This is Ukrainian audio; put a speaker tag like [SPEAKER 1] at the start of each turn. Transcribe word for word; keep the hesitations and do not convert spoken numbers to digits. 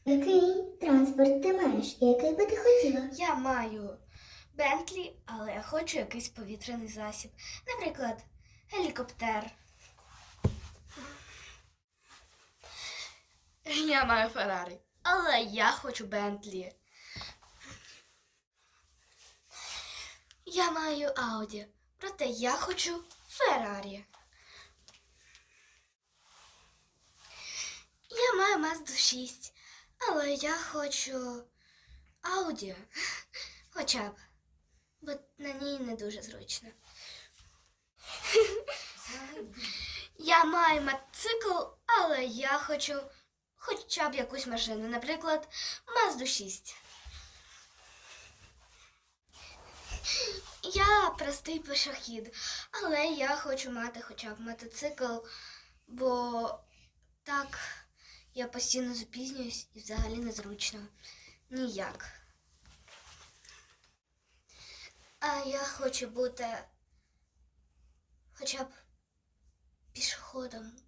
[SPEAKER 1] Який транспорт ти маєш? І який би ти хотіла?
[SPEAKER 2] Я маю Бентлі, але я хочу якийсь повітряний засіб. Наприклад, гелікоптер. Я маю Феррарі, але я хочу Бентлі. Я маю Ауді, проте я хочу Феррарі. Я маю Мазду шість, але я хочу Ауді. Хоча б, бо на ній не дуже зручно. Я маю мотоцикл, але я хочу хоча б якусь машину, наприклад, Мазду шість. Я простий пішохід, але я хочу мати хоча б мотоцикл, бо так я постійно запізнююсь і взагалі незручно. Ніяк. А я хочу бути хоча б пішоходом.